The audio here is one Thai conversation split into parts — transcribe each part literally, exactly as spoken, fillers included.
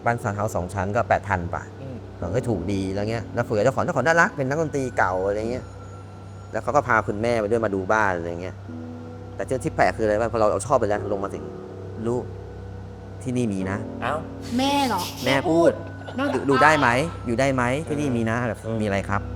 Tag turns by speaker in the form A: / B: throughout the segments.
A: บ้านซาวน์เฮาส์สองชั้นก็แปดพันป่ะเราก็ถูกดีแล้วเงี้ยแล้วเฟือเจ้าของเจ้าของน่ารักเป็นนักดนตรีเก่าอะไรเงี้ยแล้วเขาก็พาคุณแม่ไปด้วยมาดูบ้านอะไรเงี้ยแต่เจ้าที่แปลกคืออะไรบ้างพอเราเอาชอบไปแล้วลงมาถึงลูกที่นี่มีนะ
B: เอ้า
C: แม่เหรอ
A: แม่พูดดูดูได้ไหมอยู่ได้ไหมที่นี่มีนะแบบมีอะไรครับ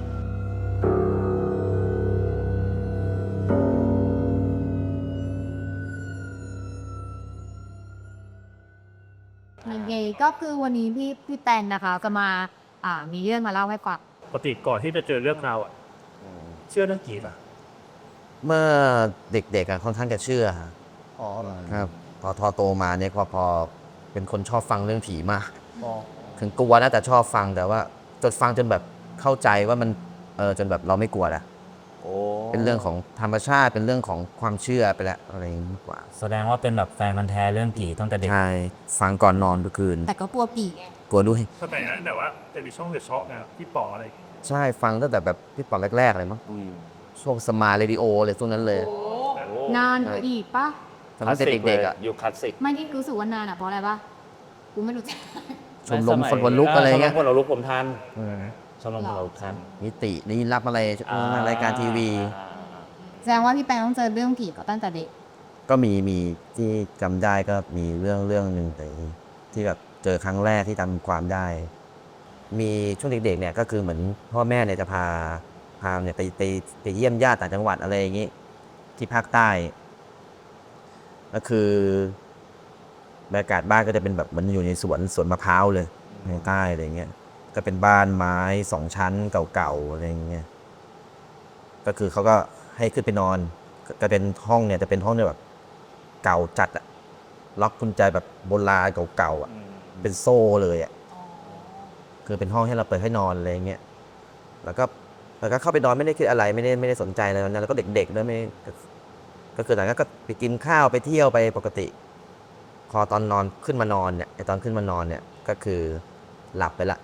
C: โอเคก็คือวันนี้พี่พี่แตนนะคะจะมาอ่ามีเรื่องมาเล่าให้ฟัง
B: ปกติก่อนที่จะเจอเรื่องราวอ่ะเชื่อเรื่องผีป่ะ
A: เมื่อเด็กๆค่อนข้างจะเชื่อ
B: อ๋อ
A: ครับพอทอโตมาเนี่ยพอพอเป็นคนชอบฟังเรื่องผีมากถึงกลัวนะแต่ชอบฟังแต่ว่าจนฟังจนแบบเข้าใจว่ามันเออจนแบบเราไม่กลัวแล้วเป็นเรื่องของธรรมชาติเป็นเรื่องของความเชื่อไปแล้วอะไรอย่างนี้มากกว่า
D: แสดงว่าเป็นแบบแฟนพันธุ์แท้เรื่องผีตั้งแต่เด็ก
A: ใช่ฟังก่อนนอนทุกคืน
C: แต่ก็กลัวผีไง
A: กลัวด้วย
B: สมัยนั้นแต่ว่าจะมีช่องเดอะช็อคนะพี่ป๋ออะไร
A: ใช่ฟังตั้งแต่แบบพี่ปอนแรกๆเลยมั้งช่วงสมาร์เรดิโอเลยช่วงนั้นเลย
C: นานอีกปะ
A: ตอนนั้นเด็กๆอ่ะ
D: อยู่คลาสสิก
C: ไม่ที่รู้สึกว่านานอ่ะเพราะอะไรปะกูไม่รู้จัก
A: ชมรมคนวันลุกอะไรเงี้ย
D: ชมรมคนวันลุกผมทันชมรมคนวันลุกทัน
A: นิตินี่รับอะไรรายการทีวี
C: แสดงว่าพี่แปงต้องเจอเรื่องผีก็ตั้งแต่เด็ก
A: ก็มีมีที่จำได้ก็มีเรื่องเรื่องหนึ่งแต่ที่แบบเจอครั้งแรกที่จำความได้มีช่วงเด็กๆเนี่ยก็คือเหมือนพ่อแม่เนี่ยจะพาพาเนี่ยไปไปไปเยี่ยมญาติต่างจังหวัดอะไรอย่างงี้ที่ภาคใต้ก็คือบรรยากาศบ้านก็จะเป็นแบบมันอยู่ในสวนสวนมะพร้าวเลยในใต้อะไรเงี้ยก็เป็นบ้านไม้สองชั้นเก่าๆอะไรเงี้ยก็คือเขาก็ให้ขึ้นไปนอนก็เป็นห้องเนี่ยจะเป็นห้องเนี่ยแบบเก่าจัดอะล็อกกุญแจแบบโบราณเก่าๆอะเป็นโซ่เลยอะคือเป็นห้องให้เราเปิดให้นอนอะไรเงี้ยแล้วก็แล้วก็เข้าไปนอนไม่ได้คิดอะไรไม่ได้ไม่ได้สนใจอะไรนั้นแล้วก็เด็กๆด้วยไม่ก็คือหลังก็ไปกินข้าวไปเที่ยวไปปกติพอตอนนอนขึ้นมานอนเนี่ยไอตอนขึ้นมานอนเนี่ยก็คือหลับไปละ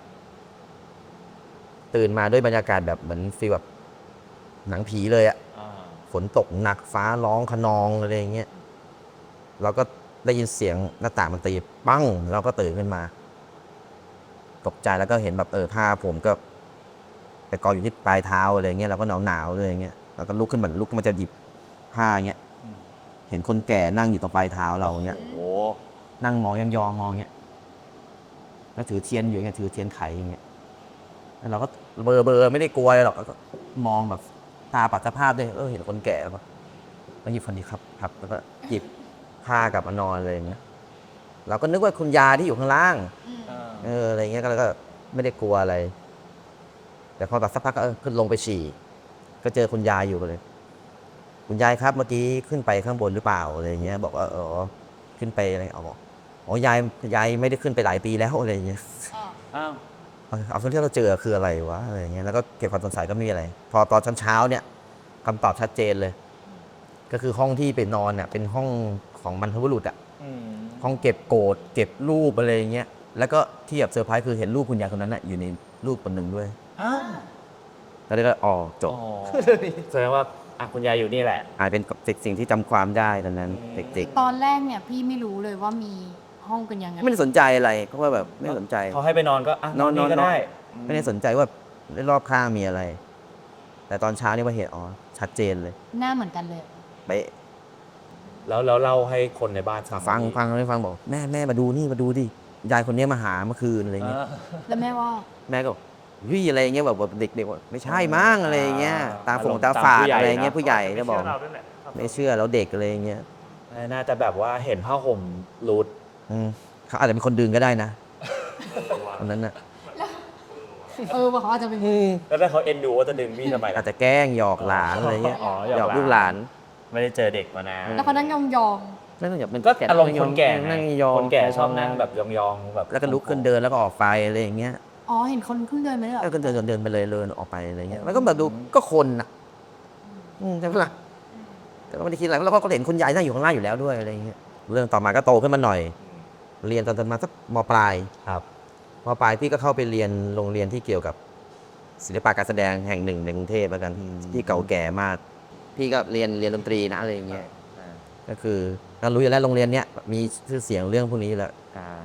A: ตื่นมาด้วยบรรยากาศแบบเหมือนฟีลแบบหนังผีเลยอะฝนตกหนักฟ้าร้องคะนองอะไรอย่างเงี้ยเราก็ได้ยินเสียงหน้าต่างมันตีปั้งเราก็ตื่นขึ้นมาตกใจแล้วก็เห็นแบบเออผ้าผมก็ไปกองอยู่ที่ปลายเท้าอะไรเงี้ยเราก็หนาวหนาวเลยอย่างเงี้ยเราก็ลุกขึ้นเหมือนลุกมันจะหยิบผ้าเงี้ยเห็นคนแก่นั่งอยู่ตรงปลายเท้าเราเงี้ยโอ้นั่งมองยองๆมองเงี้ยแล้วถือเทียนอยู่เงี้ยถือเทียนไขอย่างเงี้ยแล้วเราก็เบอเบอไม่ได้กลัวหรอกก็มองแบบตาปัดสภาพด้วยเออเห็นคนแก่แล้วก็หยิบคนนี้ครับครับแล้วก็หยิบผ้ากลับมานอนเลยอย่างเงี้ยเราก็นึกว่าคุณยายที่อยู่ข้างล่างเอออะไรเงี้ยก็แล้วก็ไม่ได้กลัวอะไรแต่พอแบบสักพักก็เออขึ้นลงไปฉี่ก็เจอคุณยายอยู่เลยคุณยายครับเมื่อกี้ขึ้นไปข้างบนหรือเปล่าอะไรเงี้ยบอกว่าเออขึ้นไปอะไรเอาบอกอ๋อยายยายไม่ได้ขึ้นไปหลายปีแล้วอะไรเงี้ยอ้าวเอาส่วนที่เราเจอคืออะไรวะอะไรเงี้ยแล้วก็เก็บความสงสัยก็ไม่มีอะไรพอตอนเช้าเนี่ยคำตอบชัดเจนเลยก็คือห้องที่ไปนอนเนี่ยเป็นห้องของบรรพบุรุษอ่ะห้องเก็บโกรธเก็บรูปอะไรเงี้ยแล้วก็ที่แบบเซอร์ไพรส์คือเห็นรูปคุณยายคนนั้นน่ะอยู่ในรูปคนหนึ่งด้วยแล้วก็อ๋อจบ
D: แสดงว่าอ่ะคุณยายอยู่นี่แหละ
A: อาจเป็นสิ่งที่จำความได้ตอนนั้นเด็ก
C: ๆตอนแรกเนี่ยพี่ไม่รู้เลยว่ามีห้องกันยังไง
A: ไม่ได้สนใจอะไรเพราะว่าแบบไม่สนใจ
D: เขาให้ไปนอนก็อ่ะนอนนี่ก็ได้
A: ไม่ได้สนใจว่าในรอบข้างมีอะไรแต่ตอนเช้านี่ว่าเห็นอ๋อชัดเจนเลย
C: หน้าเหมือนกันเลย
A: เป๊ะ
D: แล้วแล้วเล่าให้คนในบ้าน
A: ฟังฟังไม่ฟังบอกแม่แม่มาดูนี่มาดูดิยายคนนี้มาหาเมื่อคืนอะไรเงี้ย
C: แล้วแม่ว่า
A: แม่ก็วิ่งอะไรเงี้ยแบบเด็กๆว่าไม่ใช่มั้งอะไรเงี้ยตาฝงตาฝาดอะไรเงี้ยผู้ใหญ่จะบอกไม่เชื่อแล้วเด็กอะไรเงี้ย
D: น่าจะแบบว่าเห็นผ้าห่มรูด
A: เขาอาจจะเป็นคนดึงก็ได้นะตอนนั้นน่ะ
C: เออว่าเขาอาจจะเป็น
D: แล้วถ้าเขาเอ็นดูว่าจะดึงพี่ทำไม
A: อาจจะแกล้งหยอกหลานอะไรเงี้ยหยอกลูกหลาน
D: ไม่ได้เจอเด็กมานาน
C: แล้วเขานั่งยองยอง
A: นั่งแบบมัน
D: ก็อารมณ์คนแก่
A: นั่งยอง
D: คนแก่ชอบนั่งแบบยองยองแบบ
A: แล้วก็ลุกขึ้นเดินแล้วก็ออกไปอะไรอย่างเงี้ย
C: อ๋อเห็นคนขึ้นเดินไหมเหรอ
A: แล้วก็เดินเดินไปเลยเดินออกไปอะไรเงี้ยแล้วก็แบบดูก็คนอ่ะใช่ไหมล่ะแต่ก็ไม่ได้คิดอะไรแล้วก็เห็นคุณยายนั่งอยู่ข้างล่างอยู่แล้วด้วยอะไรเงี้ยเรื่องต่อมาก็โตขึ้นมาหน่อยเรียนตอนมาสักม.ปลาย
D: ครับ
A: ม.ปลายพี่ก็เข้าไปเรียนโรงเรียนที่เกี่ยวกับศิลปะการแสดงแห่งหนึ่งในกรุงเทพแล้วกันที่เก่าแก่มากพี่ก็เรียนเรียนดนตรีนะอะไรอย่างเงี้ยก็คือเรารู้อยู่แล้วโรงเรียนเนี้ยมีชื่อเสียงเรื่องพวกนี้แหละ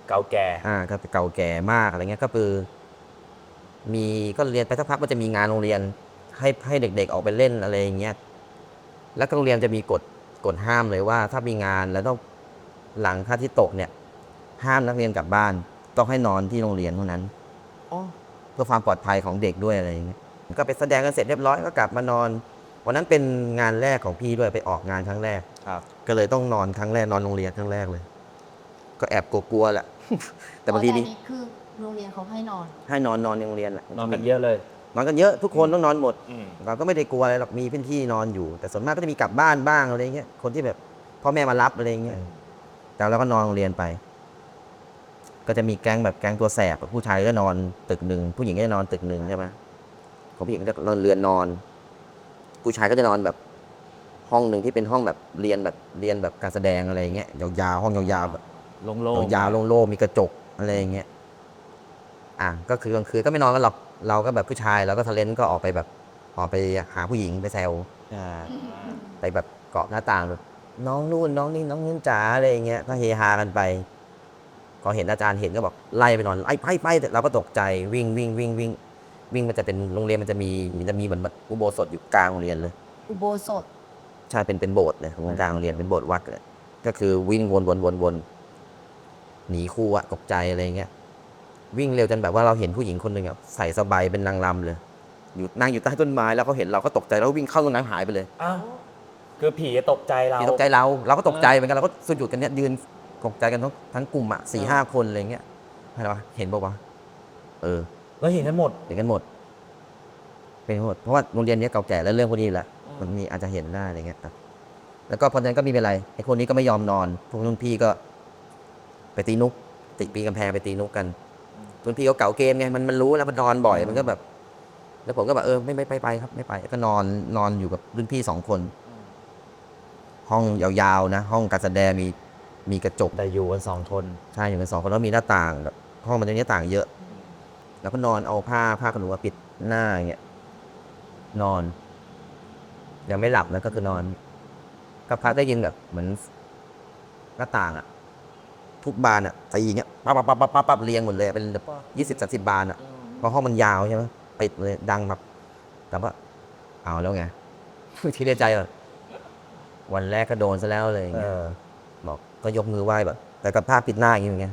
D: เก่าแก่
A: อ่าก็เก่าแก่มากอะไรเงี้ยก็คือมีก็เรียนไปสักพักมันจะมีงานโรงเรียนให้ให้เด็กๆออกไปเล่นอะไรอย่างเงี้ยแล้วก็โรงเรียนจะมีกฎกฎห้ามเลยว่าถ้ามีงานแล้วต้องหลังพระอาทิตย์ตกเนี่ยห้ามนักเรียนกลับบ้านต้องให้นอนที่โรงเรียนเท่านั้นเพื่อความปลอดภัยของเด็กด้วยอะไรอย่างเงี้ยก็ไปแสดงกันเสร็จเรียบร้อยก็กลับมานอนวันนั้นเป็นงานแรกของพี่ด้วยไปออกงานครั้งแรก
D: ครับ
A: ก็เลยต้องนอนครั้งแรกนอนโรงเรียนครั้งแรกเลย ก็แอบกลัวๆแหละ แต่บางทีนี่
C: อ๋ออัคือโรงเรียนเขาให้นอน
A: ให้นอนนอนในโรงเรียนแหละ
D: นอนกันเยอะเลย
A: นอนกันเยอะทุกคนต้องนอนหมด
D: อืม
A: เราก็ไม่ได้กลัวอะไรหรอกมีพื้นที่นอนอยู่ แต่ส่วนมากก็จะมีกลับบ้านบ้างอะไรเงี้ยคนที่แบบพ่อแม่มารับอะไรเงี้ยแต่เราก็นอนโรงเรียนไป ก็จะมีแก๊งแบบแก๊งตัวแสบผู้ชายก็นอนตึกหนึ่งผู้หญิงก็จะนอนตึกหนึ่งใช่ไหมของผู้หญิงก็จะนอนเรือนนอน ผู้ชายก็จะนอนแบบห้องหนึ่งที่เป็นห้องแบบเรียนแบบเรียนแบบการแสดงอะไรเงี้ยยาวๆห้องยาวๆแบบ
D: โล่งๆ
A: ยาวๆโล่งๆมีกระจกอะไรอย่างเงี้ย อ่ะก็คือกลางคืนก็ไม่นอนกันหรอก เราก็แบบผู้ชายเราก็ทะเลนก็ออกไปแบบออกไปหาผู้หญิงไปแซว
D: อ่า
A: ไปแบบเกาะหน้าต่างแบบน้องนู่นน้องนี่น้องนู่นจ๋าอะไรอย่างเงี้ยก็เฮฮากันไปพอเห็นอาจารย์เห็นก็บอกไล่ไปนอนไล่ไปไปเราก็ตกใจวิ่งวิ่งวิ่งวิ่งวิ่งมันจะเป็นโรงเรียนมันจะมีมันจะมีเหมือนแบบอุโบสถอยู่กลางโรงเรียนเลย
C: อุโบสถ
A: ใช่เป็นเป็นโบสถ์เลยตรงกลางโรงเรียนเป็นโบสถ์วัดเลยก็คือวิ่งวนวนวนวนหนีครูอะตกใจอะไรเงี้ยวิ่งเร็วจนแบบว่าเราเห็นผู้หญิงคนหนึ่งอะใส่สบายเป็นนางรำเลยอยู่นั่งอยู่ใต้ต้นไม้แล้วเขาเห็นเราก็ตกใจแล้ววิ่งเข้าตรงนั้นหายไปเลย
D: อ้าวคือผีตกใจเรา
A: ผีตกใจเราเราก็ตกใจเหมือนกันเราก็สุดหยุดกันเนี้ยยืนตกใจกันทั้งทั้งกลุ่มอะสี่ห้าคนอะไรเงี้ยอะไรวะเห็นบอกว่าวะเออ
D: แล้วเห็นกันหมด
A: เห็นกันหมดเป็นหมดเพราะว่าโรงเรียนนี้เก่าแก่แล้วเรื่องพวกนี้แหละ
D: อืม
A: มันมีอาจจะเห็นได้อะไรเงี้ยครับแล้วก็พอนั้นก็ไมีเป็นไรไอ้คนนี้ก็ไม่ยอมนอนพวกรุ่นพี่ก็ไปตีนุกติดปีกำแพงไปตีนุกกันรุ่นพี่เขาเก่าเกมไงมันมันรู้แล้วมันนอนบ่อยมันก็แบบ แล้วผมก็แบบเออไม่ไม่ไปไปครับไม่ไปก็นอนนอนอยู่กับรุ่นพี่สองคน ห้องยาวๆนะห้องการแสดงมีมีกระจก
D: แต่อยู่กันสองคน
A: ใช่อยู่กันสองคนแล้วมีหน้าต่างแบบห้องมันจะมีหน้าต่างเยอะ แล้วก็นอนเอาผ้าผ้าขนหนูมาปิดหน้าอย่างเงี้ยนอน ยังไม่หลับนะก็คือนอนก็พักได้ยินแบบเหมือนหน้าต่างอะทุกบานอะตีอย่างเงี้ยปั๊บปั๊บปั๊บปั๊บปั๊บเรียงหมดเลยเป็นแบบยี่สิบสามสิบบานอะเพราะห้องมันยาวใช่ไหมปิดเลยดังแบบแต่ว่าเอาแล้วไง ที่ในใจแบบวันแรกก็โดนซะแล้วเลยอย่าง
D: เอ
A: เงี้ย
D: อ
A: บอกก็ยกมือไหว้แบบแต่กับผ้าปิดหน้าอย่างเงี้ย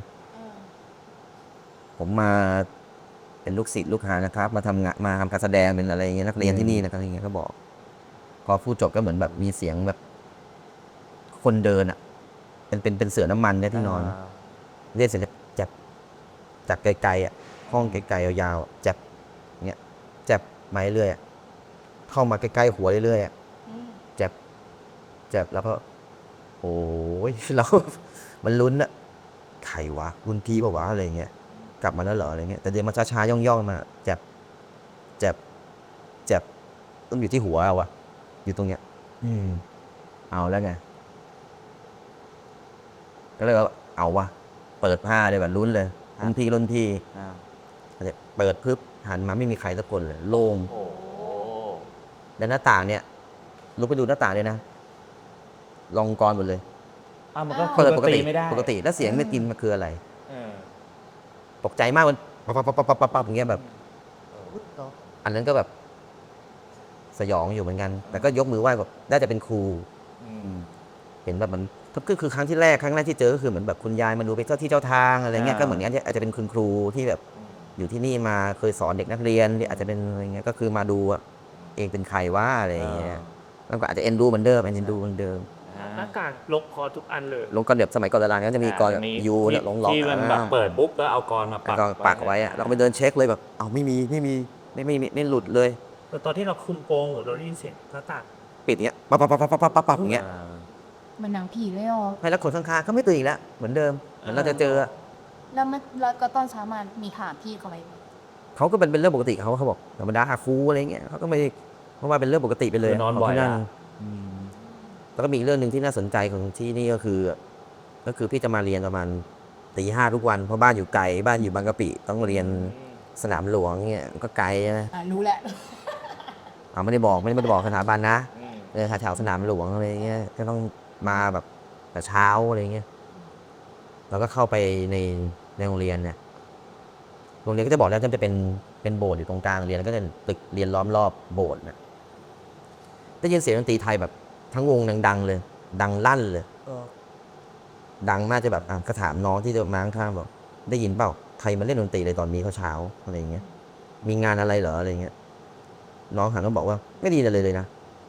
A: ผมมาเป็นลูกศิษย์ลูกหานะครับ มาทำงานมาทำการแสดงเป็นอะไรอย่างเงี้ยนักเรียนที่นี่นะครับอย่างเงี้ยก็บอก พอพูดจบก็เหมือนแบบมีเสียงแบบ คนเดินอ่ะ เป็นเป็นเป็นเสือน้ำมันเนี่ยที่นอน เรียกเสียงจับจากไกลๆอ่ะห้องไกลๆยาวๆอะจับเงี้ยจับไม้เรื่อยอะเข้ามาใกล้ๆหัวเรื่อยๆอะจับจับแล้วก็ โอ้ย เรา มันลุ้นอะใครวะรุ่นพี่ปะวะอะไรเงี้ยกลับมาแล้วเหรออะไรเงี้ยแต่เดินมาช้าๆย่องๆมาจับจับจับต้องอยู่ที่หัวเอาวะอยู่ตรงเนี้ย
D: อืม
A: เอาแล้วไงก็เลยว่าเอาวะเปิดผ้าเลยแบบลุ้นเลยรุ่นพี่รุ่นพี่
D: อ่า
A: เปิดปึ๊บหันมาไม่มีใครสักคนเลยโล่ง
D: โอ้
A: แล้วหน้าต่างเนี่ยลุกไปดูหน้าต่างเลยนะลองกรหมดเลย
D: อ้าวมันก็
A: เปิดปกติ
D: ไม่ได้
A: ปกติแล้วเสียงไม่กินมันคืออะไร
D: เออ
A: ตกใจมากมันปั๊บปั๊บปั๊บปั๊บปั๊บปั๊บอย่างเงี้ยแบบ อันนั้นก็แบบ สยองอยู่เหมือนกัน แต่ก็ยกมือไหว้แบบน่าจะเป็นครู
D: อืม
A: เห็นแบบมันก็คือครั้งที่แรกครั้งแรกที่เจอก็คือเหมือนแบบคุณยายมาดูเป็นเจ้าที่เจ้าทางอะไรเงี้ย
D: อ่า
A: ก็เหมือนกันอาจจะเป็นคุณครูที่แบบอยู่ที่นี่มาเคยสอนเด็กนักเรียนอาจจะเป็นอะไรเงี้ยก็คือมาดูอะเองเป็นใครว่าอะไรเงี้ยแล้วก็อาจจะเอ็นดูเหมือนเดิมเอ็นดูเหมือนเดิม
B: หน้ากากลกพอทุกอันเลย
A: ลงกรแบบสมัยก่อนโบราณก็จะมีกรแบบ
D: อ่า
A: ยูเนี่ยลงหลอก
D: ที่มันแบบเปิดปุ๊บแล้วเอากรมาปัก
A: แล้วก็ปักไว้อะเราก็ไปเดินเช็คเลยแบบเอ้าไม่มีไม่มีไม่ไม่ไม่ไม่หลุดเลย
B: แต่ตอนที่เราคุมโปงเราได้ยินเสียงหน้าต่าง
A: ปิดเงี้ยปั๊บปั๊บปั๊บปั๊บปั๊บปั๊บปั๊บอย่างเงี้ย
D: อ่า
C: มันหนังผีเลยเหรอ
A: ให้แล้วคนข้างๆก็ไม่ตื่นอีกแล้วเหมือนเดิมเหมือนเราจะเจอ
C: แล้วมันแล้วก็ตอนเช้ามามีถามพี่เขาไหม
A: เขาก็เป็นเป็นเรื่องปกติเขาเขาบอกธรรมดาครูอะไรเงี้ยเขาก็ไม่เพราะว่าเป็นเรื่องปกติไปเลย
D: คือนอนบ่อย
A: ขงที่
D: อะ
A: นั่น
D: อืม
A: แล้วก็มีอีกเรื่องหนึ่งที่น่าสนใจของที่นี่ก็คือ ก็คือพี่จะมาเรียนประมาณตีห้าทุกวันเพราะบ้านอยู่ไกลบ้านอยู่บางกะปิต้องเรียนสนามหลวงเงี้ยก็ไกลนะ
C: อ่ารู้แหละ
A: เอาไม่ได้บอกไม่ได้ไม่ได้บอกสถาบันนะ
D: อืม
A: เออแถวสนามหลวงอะไรเงี้ยก็ต้องมาแบบแต่เช้าอะไรเงี้ยเราก็เข้าไปในในโรงเรียนเนี่ยโรงเรียนก็จะบอกแล้วจะเป็นเป็นโบสถ์อยู่ตรงกลางโรงเรียนแล้วก็จะตึกเรียนล้อมรอบโบสถ์นะได้ยินเสียงดนตรีไทยแบบทั้งวงดังๆเลย ดังลั่นเลย ดังมากจะแบบอ่ะก็ถามน้องที่เดินมาข้างๆบอกได้ยินเปล่าใครมาเล่นดนตรีเลยตอนนี้เช้าๆอะไรอย่างเงี้ยมีงานอะไรเหรออะไรเงี้ยน้องหันมาบอกว่าไม่ดีเลยเลยนะ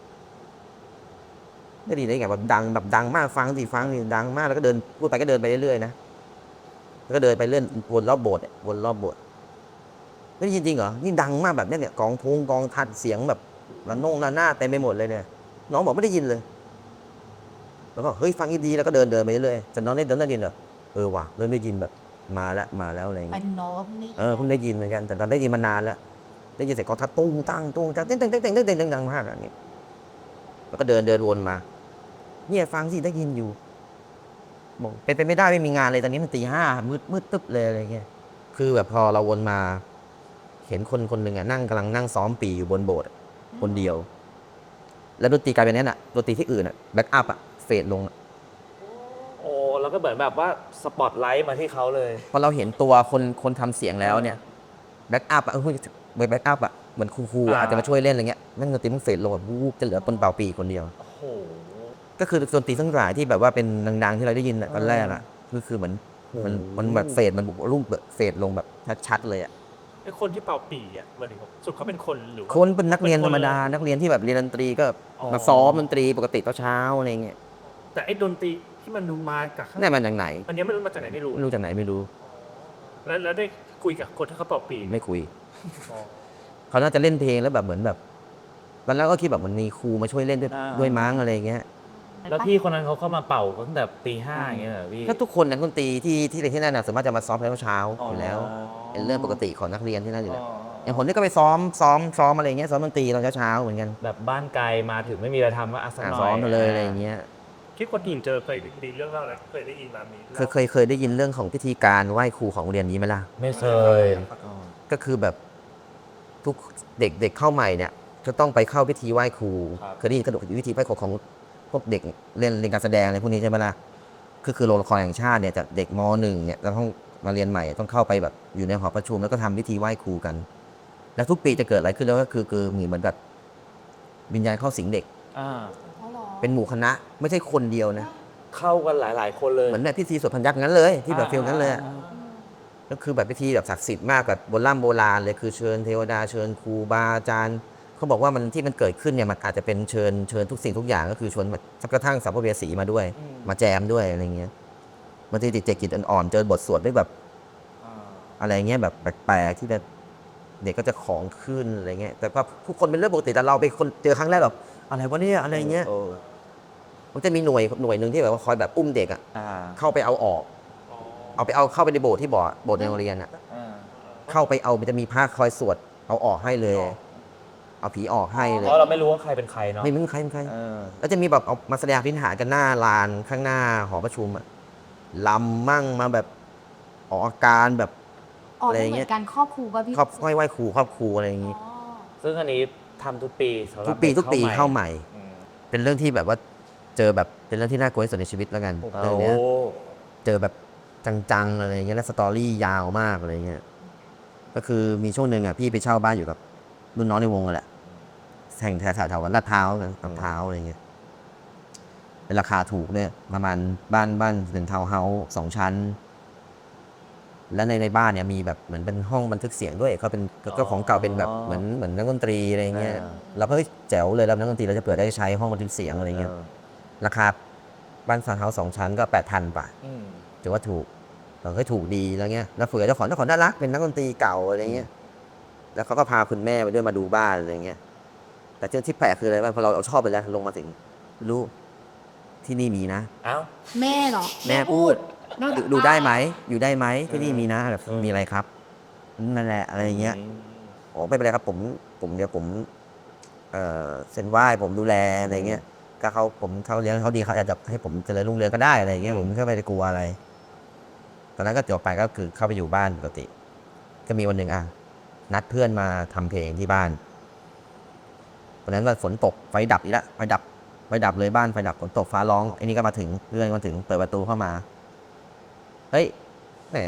A: ไม่ดีได้ไงแบบดังแบบดังมากฟังสิฟังสิดังมากแล้วก็เดินพูดไปก็เดินไปเรื่อยๆนะแล้วก็เดินไปเรื่อยวนรอบโบสถ์เนี่ยวนรอบโบสถ์ไม่ได้ยินจริงเหรอนี่ดังมากแบบเนี้ยเนี่ยกองทุงกองทัดเสียงแบบระนงระนาดเต็มไปหมดเลยเนี่ยน้องบอกไม่ได้ยินเลยแล้วก็เฮ้ยฟังดีๆแล้วก็เดินเดินไปเรื่อยๆแต่น้องได้เดินได้ยินเหรอเออว่ะเริ่มได้ยินแบบมาแล้วมาแล้วอะไรอย่าง
C: เป็
A: เงี้ย
C: นโน้ตนี่
A: เออเพิ่งได้ยินเหมือนกันแต่ตอนได้ยินมานานแล้วได้ยินเสียงกองทัพตุ้งตั้งตุ้งตั้งเต้นเต้นเต้นเต้นเต้นเต้นดังมากอย่างนี้แล้วก็เดินเดินวนมาเนี่ยฟังสิได้ยินอยู่บอกเป็นไปไม่ได้ไม่มีงานเลยตอนนี้มันตีห้ามืดมืดตึ๊บเลยอะไรเงี้ยคือแบบพอเราวนมา เห็นคนคนหนึ่งอ่ะนั่งกำลังนั่งซ้อมปีอยู่บนโบสถ์คนเดียว แล้วดนตรีกลายเป็นนี้น่ะดนตรีที่อื่นอ่ะแบ็กอัพอ่ะเฟดลง
D: โอ้แล้วก็เหมือนแบบว่าสปอตไลท์มาที่เขาเลย
A: พอเราเห็นตัวคนคนทำเสียงแล้วเนี่ยแบ็กอัพอ่ะเออแบ็กอัพอ่ะเหมือนครูๆ
D: อ่า
A: อาจจะมาช่วยเล่นอะไรเงี้ยแม่งดนตรีมันเฟดลงแบบวูบจะเหลือคนเป่าปีคนเดียว
D: โอ้โห
A: ก็คือดนตรีทั้งหลายที่แบบว่าเป็นดังๆที่เราได้ยินอะตอนแรกอ่ะคือคือเหมือนมันมันแบบเฟดมันบุกรุ่มเฟดลงแบบชัดๆเลยอ่ะ
B: ไอ้คนที่เป่าปีอ่ะมันถึงสุดเขาเป็นคนหรือว่า
A: คนเป็นนักเรียน
B: เป็น
A: ธ
B: ค
A: ร
B: น
A: รมดา
B: เลย
A: นักเรียนที่แบบเรียนดนตรีก็
B: อ๋อ
A: มาซ้อมดนตรีปกติตอนเช้าอะไรเงี้ย
B: แต่ไอ้ดนตรีที่มันมาจากข้าง
A: นี่มันจากไหน
B: อันเนี้ยไม่รู้มาจากไหนไม่รู้
A: ไม่รู้จากไหนไม่รู้
B: แล้วแล้วได้คุยกับคนที่เขาเป่าปี
A: ไม่คุย
B: อ๋อ
A: เขาน่าจะเล่นเพลงแล้วแบบเหมือนแบบตอนแรกก็คิดแบบมันมีครูมาช่วยเล่นด้วย
D: อ่า
A: ด้วยมั้งอะไรเงี้ย
D: แล้วพี่คนนั้นเขาเข้ามาเป่าตั้งแต่ตีห้าอย่างเงี้ยเหรอพี่
A: ถ้าทุกคนนักดนตรีที่ที่เรียนที่นั่นน่ะส่วนมากจะมาซ้อมแล้วเช้าอยู่แล้ว เป็นเรื่องปกติของนักเรียนที่นั่นอยู่แล้วอย่างผมนี่ก็ไปซ้อมซ้อมซ้อมอะไรเงี้ยซ้อมดนตรีตอนเช้าๆเหมือนกัน
D: แบบบ้านไกลมาถึงไม่มีอะไรทำก็อาสัก
A: อ่า
D: หน่อย
A: ซ้อมมาเลยอะไรอย่างเงี้ย
B: คิดคนที่เจอเคยดีเรื่องเล่าอะไรเคยได้ยินมามี
A: เคยเคยเคยได้ยินเรื่องของพิธีการไหว้ครูของโรงเรียนนี้ไหมล่ะ
D: ไม่เคย
A: ก็คือแบบทุกเด็กเด็กเข้าใหม่เนี่ยจะต้องไปเข้าพิธีไหว้ครูเคยได้ยินกระดูกพิธีไหว้ครูของพวกเด็กเรียนเรียนการแสดงอะไรพวกนี้ใช่ไหมล่ะคือคือโรงละครแห่งชาติเนี่ยจากเด็กมหนึ่งเนี่ยจะต้องมาเรียนใหม่ต้องเข้าไปแบบอยู่ในหอประชุมแล้วก็ทำพิธีไหว้ครูกัน แล้วทุกปีจะเกิดอะไรขึ้นแล้วก็คือคือเหมือนแบบวิญญาณเข้าสิงเด็ก
D: อ่า
C: เขาหรอ
A: เป็นหมู่คณะไม่ใช่คนเดียวนะ
D: เข้ากันหลาย ๆ คนเลย
A: เหมือนแบบพิธีสวดพันยักษ์งั้นเลยที่แบบฟิลนั้นเลยอะ
D: อ่า
A: ก็คือแบบพิธีแบบศักดิ์สิทธิ์มากแบบโบราณโบราณเลยคือเชิญเทวดาเชิญครูบาอาจารย์เขาบอกว่ามันที่มันเกิดขึ้นเนี่ยมันอาจจะเป็นเชิญเชิญทุกสิ่งทุกอย่างก็คือชวนแบบสักกระทั่งสัมภเวสีมาด้วย มาแจมด้วยอะไรเงี้ยบางทีติดเจกิจอ่อนๆเจอบทสวดด้วยแบบ
D: อ่า
A: อะไรเงี้ยแบบแปลกๆที่แบบเด็กก็จะของขึ้นอะไรเงี้ยแต่ว่าทุกคนเป็นเรื่องปกติแต่เราเป็นคนเจอครั้งแรกแบบอะไรวะเนี่ยอะไรเงี้ย
D: โอ้
A: มันจะมีหน่วยหน่วยหนึ่งที่แบบว่าคอยแบบอุ้มเด็กอะ
D: อ่า
A: เข้าไปเอาออก เอาไปเอาเข้าไปในโบสถ์ที่โบสถ์โบสถ์ในโรงเรียนอะ
D: อ่า
A: เข้าไปเอามันจะมีพระคอยสวดเอาออกให้เลย เอาผีออกให้เลย
D: เพราะเราไม่รู้ว่าใครเป็นใครเนาะ
A: ไม่มึงใครมึงใคร
D: เออ
A: แล้วจะมีแบบเอามาแสดงพิธานกันหน้าลานข้างหน้าหอประชุมอะลำมั่งมาแบบออกอาการแบบ
C: อ๋อ
A: อะไร
C: มัน
A: อย่าง
C: เห
A: เงี้
C: มื
A: ย
C: อนการครอบครูป่ะพี่
A: ครอบไหว้ไหว้ครูครอบครูอะไรอย่างงี้
C: อ๋อ
D: ซึ่งอันนี้ทำทุกปีสำหรับ
A: ทุกปีทุกปีเข้าใหม่
D: อืม
A: เป็นเรื่องที่แบบว่าเจอแบบเป็นเรื่องที่น่ากลัวที่สุดในชีวิตแล้วกัน
D: โอ้
A: เรื่องเนี้ยเจอแบบจังๆอะไรอย่างเงี้ยแล้วสตอรี่ยาวมากอะไรเงี้ยก็คือมีช่วงหนึ่งอ่ะพี่ไปเช่าบ้านอยู่กับรุ่นน้องในวงกันแหละแห่งแถวแถวๆลาดพร้าวกันลาดพร้าวอะไรเงี้ยเป็นราคาถูกเนี่ยประมาณบ้านบ้านเป็นทาวน์เฮาส์สองชั้น แล้วในในบ้านเนี่ยมีแบบเหมือนเป็นห้องบันทึกเสียงด้วยเขาเป็นก็ของเก่าเป็นแบบเหมือนเหมือนนักดนตรีอะไรเงี้ยเราก็เฮ้ยแจ๋วเลยแล้วนักดนตรีเราจะเปิดได้ใช้ห้องบันทึกเสียงอะไรเงี้ย
D: เออ
A: ราคาบ้านซาวน์เฮาส์สองชั้นก็แปดพันบาท
D: อืม
A: ถือว่าถูกเราก็ถูกดีแล้วเงี้ยแล้วเฟือเจ้าของเจ้าของน่ารักเป็นนักดนตรีเก่าอะไรเงี้ยแล้วเขาก็พาคุณแม่ไปด้วยมาดูบ้านอะไรเงี้ยแต่เรื่องที่แปลกคืออะไรบ้างพอเราเอาชอบไปแล้วลงมาถึงรู้ที่นี่มีนะ
D: เอ้า
C: แม่เหรอ
A: แม่พูด
C: นอก
A: ดู
C: จาก
A: ดูได้ไหมอยู่ได้ไหมที่นี่มีนะแบบ
D: อืม
A: มีอะไรครับนั่นแหละอะไรอย่างเงี้ยอ๋อไม่เป็นไรครับผมผมเดี๋ยวผมเอ่อเซ็นไหว้ผมดูแลอะไรเงี้ยก็เขาผมเขาเลี้ยงเขาดีเขาอาจจะให้ผมเจริญรุ่งเรืองก็ได้อะไรอย่างเงี้ยผมก็ไม่ได้กลัวอะไร ตอนนั้นก็จบไปก็คือเข้าไปอยู่บ้านปกติ ก็มีวันหนึ่งอ่ะนัดเพื่อนมาทำเพลงที่บ้านวันนั้นว่าฝนตกไฟดับอีกแล้วไฟดับไฟดับเลยบ้านไฟดับฝนตกฟ้าร้องไอ้นี่ก็มาถึงเพื่อนก็มาถึงเปิดประตูเข้ามาเฮ้ยแหม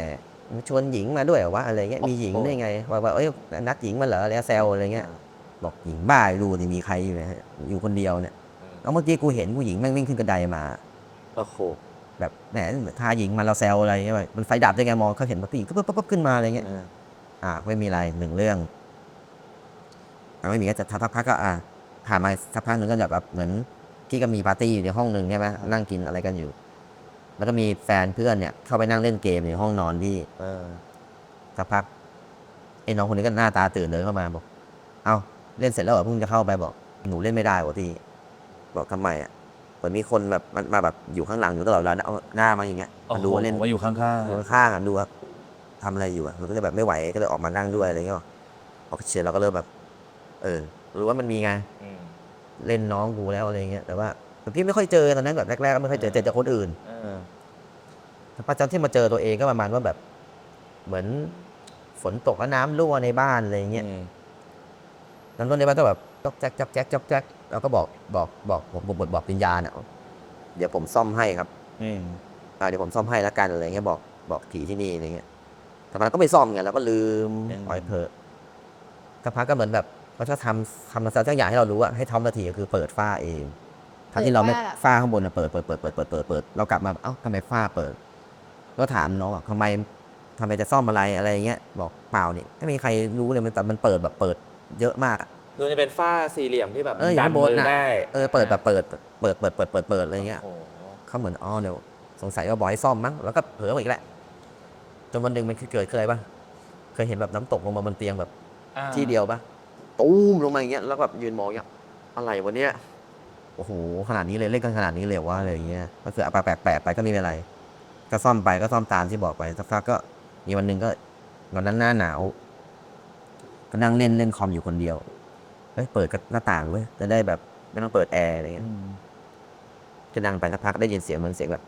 A: ชวนหญิงมาด้วยเหรอวะอะไรเงี้ยมีหญิงได้ไงว่าว่าเอ้ยนัดหญิงมาเหรอแล้วแซวอะไรเงี้ยบอกหญิงบ้าดูนี่มีใครอยู่เนี่ยอยู่คนเดียวเนี่ยแล้วเมื่อกี้กูเห็นผู้หญิงแม่งวิ่งขึ้นกระไดมา
D: โอ้โห
A: แบบแหมทาหญิงมาเราแซวอะไรเงี้ยมันไฟดับได้ไงมองเขาเห็นผู้หญิงก็ปุ๊บปุ๊บขึ้นมาอะไรเงี้ยอ่าไม่มีอะไรหนึ่งเรื่องอ่าไม่มีก็จะทักพักก็อ่าผ่านมาสักพักหนึ่งก็แบบเหมือนที่ก็มีปาร์ตี้อยู่ในห้องหนึ่งใช่ไหมนั่งกินอะไรกันอยู่ แล้วก็มีแฟนเพื่อนเนี่ยเข้าไปนั่งเล่นเกมในห้องนอนพี่เออสักพักไอ้น้องคนนี้ก็หน้าตาตื่นเดินเข้ามาบอกเอาเล่นเสร็จแล้วเหรอเพิ่งจะเข้าไปบอกหนูเล่นไม่ได้วะพี่บอกทำไมอ่ะเหมือนมีคนแบบมันมาแบบอยู่ข้างหลังอยู่ตลอดเวลาเอาหน้ามาอย่างเงี้ยมาดูว่าเล่น
E: มาอยู่ข้าง
A: อยู่ข้างๆอ่ะดูว่าทำอะไรอยู่อ่ะมันก็เลยแบบไม่ไหวก็เลยออกมานั่งด้วยอะไรเงี้ยพอเชียร์เราก็เริ่มแบบ เออรู้ว่ามันมีไงเล่นน้องกูแล้วอะไรเงี้ยแต่ว่าแต่พี่ไม่ค่อยเจอตอนนั้นแบบแรกๆก็ไม่ค่อยเจอเจอจากคนอื่นแต่ประจำที่มาเจอตัวเองก็ประมาณว่าแบบ เหมือนฝนตกแล้วน้ำรั่วในบ้านอะไรเงี้ยน้ำรั่วในบ้านก็แบบจ๊อกแจ๊กจ๊อกแจ๊กจ๊อกแจ๊กเราก็บอกบอกบอกผมบทบอกวิญญาณอ่ะเดี๋ยวผมซ่อมให้ครับอ่าเดี๋ยวผมซ่อมให้แล้วกันอะไรเงี้ยบอกบอกผีที่นี่อะไรเงี้ยแต่มันก็ไม่ซ่อมไงเราก็ลืมปล่อยเพอสักพักก็เหมือนแบบเขาจะทำทำอะไรสักอย่างให้เรารู้ว่าให้ทำนาทีก็คือเปิดฝ้าเองทั้งที่เราไม่ฝ้าข้างบนเปิดเปิดเปิดเปิดเปิดเปิดเปิดเรากลับมาเอ้าทำไมฝ้าเปิดก็ถามน้องว่าทำไมทำไมจะซ่อมอะไรอะไรเงี้ยบอกเปล่านี่ไม่มีใครรู้เลยมันแต่มันเปิดแบบเปิดเยอะมาก
D: คือจะเป็นฝ้าสี่เหลี่ยมที่แบบ
A: เอออยู่
D: ดั
A: ข้างบน
D: มือ
A: น่ะ
D: ได้
A: เออเปิดแบบเปิดเปิดเปิดเปิดเปิดเปิดอะไรเงี้ย
D: โอ้โห
A: เขาเหมือนอ๋อเดี๋ยวสงสัยว่าบอยซ่อมมั้งแล้วก็เผลอไปอีกแหละจนวันหนึ่งมันคือเกิดเคยป่ะเคยเห็นแบบน้ำตกลงมาบนเตียงแบบที่เดียวป่ะตูมลงมาอย่างเงี้ยแล้วก็แบบยืนมองอย่างเงี้ยอะไรวะเนี้ยโอ้โหขนาดนี้เลยเล่นกันขนาดนี้เลยว่าอะไรอย่างเงี้ยก็คือเอาแปลกแปลกไปก็ไม่เป็นไรก็ซ่อมไปก็ซ่อมตามที่บอกไปสักพักก็มีวันหนึ่งก็วันนั้นหน้าหนาวก็นั่งเล่นเล่นคอมอยู่คนเดียวเฮ้ยเปิดหน้าต่างเว้ยจะได้แบบไม่ต้องเปิดแอร์อะไรเงี้ยจะนั่งไปสักพักได้ยินเสียงเหมือนเสียงแบบ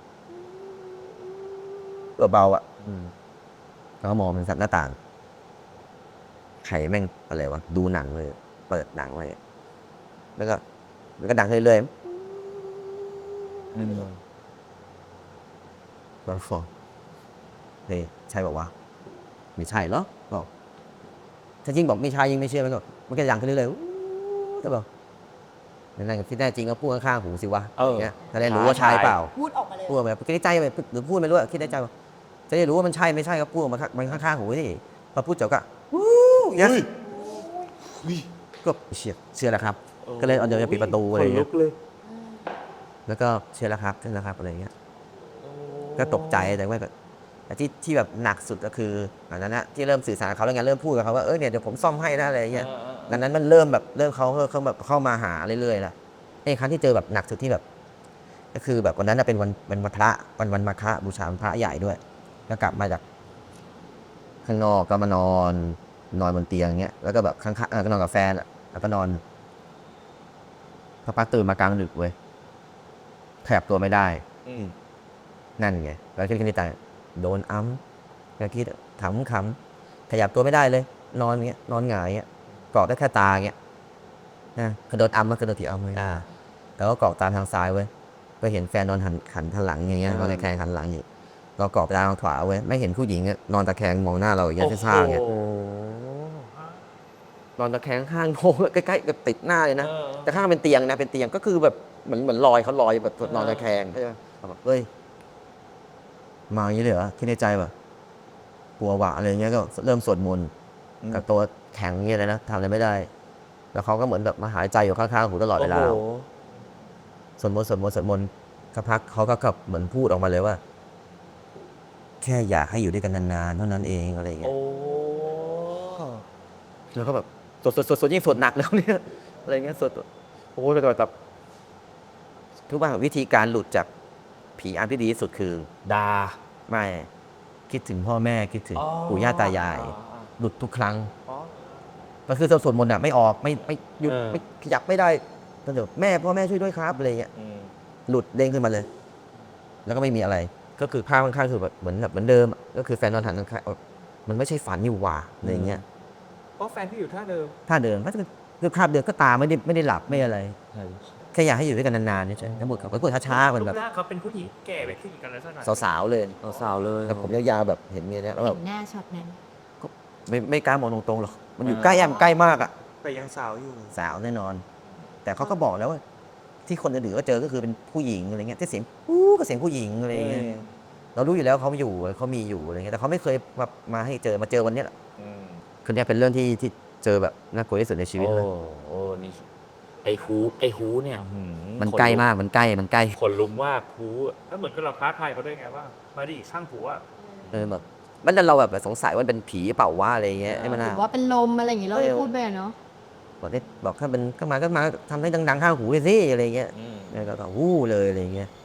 A: เบาๆอ่ะแล้วก็มองเป็นสัตว์หน้าต่างไข่แม่งอะไรวะดูหนังเลยเปิดหนังไว้แล้วก็แล้วก็ดังเรื่อยๆบางฟองเฮ้ยใช่บอกว่าไม่ใช่เหรอบอกถ้ายิ่งบอกไม่ใช่ยิ่งไม่เชื่อมันก็มันก็ดังขึ้นเรื่อยๆแต่บอกนั่นที่แน่จริงก็พูดข้างๆหูสิวะอย่างเงี้ยจะได้รู้ว่าใช่เปล่า
C: พูดออกมาเลย
A: พูดแบบคิดในใจไปหรือพูดไม่รู้อะคิดในใจว่าจะได้รู้ว่ามันใช่ไม่ใช่ก็พูดออกมามันข้างๆหูนี่พอพูดจบก็วู้อย่างเงี้ยก็เชื่อเชื่อแล้วครับ ก็เลยเอาเดี๋ยวจะปิดประตูอะไรอย่างเงี้ยแล้วก็เชื่อแล้วครับเชื่อแล้วครับอะไรอย่างเงี้ยก็ตกใจแต่ว่าแต่ที่ที่แบบหนักสุดก็คืออันนั้นนะที่เริ่มสื่อสารกับเขาแล้วไงเริ่มพูดกับเขาว่าเออเนี่ยเดี๋ยวผมซ่อมให้นะอะไรอย่างเงี้ยดังนั้นมันเริ่มแบบเริ่มเขาเขาแบบเข้ามาหาเรื่อยๆละไอ้ครั้งที่เจอแบบหนักสุดที่แบบก็คือแบบวันนั้นเป็นวันเป็นวันพระวันวันมาฆบูชาพระใหญ่ด้วยก็กลับมาจากข้างนอกก็มานอนนอนบนเตียงเงี้ยแล้วก็แบบข้างๆก็นอนกับแฟนแล้วก็นอนพอปักตื่นมากลางดึกเว้ยขยับตัวไม่ได้นั่นไงแล้วคิดในใจโดนอ้ำก็คิดขำขำขยับตัวไม่ได้เลย นอนเงี้ยนอนหงายเงี้ยเกาะได้แค่ตาเงี้ยนะกระโดดอ้ำมันกระโดดถีอ้ำเลยแล้วก็เกาะตาทางซ้ายเว้ยก็เห็นแฟนนอนหันขันทางหลังอย่างเงี้ยนอนในแคงหันหลังอยู่เราเกาะตาทางขวาเว้ยไม่เห็นผู้หญิงนอนตะแคงมองหน้าเราอย่างเงี้ยซ่าๆเงี้ยนอนตะแคงข้างโค้งใกล้ๆกับติดหน้าเลยนะแต่ข้างเป็นเตียงนะเป็นเตียงก็คือแบบเหมือนเหมือนลอยเขาลอยแบบนอนตะแคงใช่ไหมแบบเฮ้ยมาอย่างนี้เลยเหรอคิดในใจแบบกลัวหวะอะไรเงี้ยก็เริ่มสวดมนต์กับตัวแข็งเงี้ยเลยนะทำอะไรไม่ได้แล้วเขาก็เหมือนแบบมาหายใจอยู่ข้างๆหูตลอดเวลาสวดมนต์สวดมนต์สวดมนต์สักพักเขาก็แบบเหมือนพูดออกมาเลยว่าแค่อยากให้อยู่ด้วยกันนานๆเท่านั้นเองอะไรเงี้ยแล้วก็แบบสวดสวดสวดสวดยิ่งสวดหนักแล้วเนี่ยอะไรเงี้ยสวดโอ้ยแบบแบบทุกว่าวิธีการหลุดจากผีอำที่ดีที่สุดคือดาไม่คิดถึงพ่อแม่คิดถึงปู่ย่าตายายหลุดทุกครั้งก็คือสวดมนต์อ่ะไม่ออกไม่ไม่หยุดไม่ขยับไม่ได้ก็เดี๋ยวแม่พ่อแม่ช่วยด้วยครับอะไรเงี้ยหลุดเด้งขึ้นมาเลย แล้วก็ไม่มีอะไรก็คือภาพข้างๆคือแบบเหมือนแบบเหมือนเดิมก็คือแฟนนอนหันข้างมันไม่ใช่ฝันอยู่ว่ะอะไรเงี้ย
D: เพราะแฟนที่อยู่ท่าเดิม
A: ท่าเดินก็คือภาพเดิมก็ตาไม่ได้ไม่ได้หลับไม่อะไรแค่อยากให้อยู่ด้วยกันนานๆนี่ใช่ทั้งหมดเขาก็พูดช้าๆเหมือน
B: รู
A: แบ
B: ป
A: บ
B: ร่างเขาเป็นผู้หญิงแก่ไปขึ้นกันแล้วสักหน่อย
A: สาวๆเลย
D: สาวๆเลย
A: แต่ผมยาวๆแบบเห็นเมียเนี่ยแล้วแบ
C: เห็
A: บ
C: นหน้าช็อตนั้น
A: ไม่ไม่กล้ามองตรงๆหรอกมันอยู่ใกล้อะมันใกล้มากอะ
B: แต่ยังสาวอยู่
A: สาวแน่นอน แต่เขาก็บอกแล้วว่า ที่คนอื่นๆก็เจอก็คือเป็นผู้หญิงอะไรเงี้ยที่เสียงอู้ก็เสียงผู้หญิงอะไรเงี้ยเรารู้อยู่แล้วเขาอยู่เขามีอยู่อะไรเงี้ยแต่เขาไม่เคยมามาให้เจอมาเจอวันเนี้ยแหละ
D: อืม
A: คือเนี้ยเป็นเรื่องที่ที่เจอแบบน่ากลัวที่สุดในชีวิต
D: โอ้
A: เลย
D: โอ้นี่ไอ้ฮูไอ้ฮูเนี่ยหื
A: มันใกล้มากมันใกล้มันใกล้
D: ขนลุกมากฮู
B: แล้วเหมือนกับเราท้าทายเขาด้วยไงว่ามาดิข้างผัว
A: เออแบบมันเราแบบสงสัยว่าเป็นผีเปล่าวะอะไรเงี้ยไอ้มัน
C: ห
A: น่า
C: รือว่าเป็นลมอะไรอย่างงี้เราได้พูดไปอะเนาะ
A: บอกได้บอกถ้าเป็นก็มาก็มาทำให้ดังๆข้างหูเลยสิอะไรเงี้ย
D: อืม
A: แล้วก็วู้เลยอะไรเงี้ย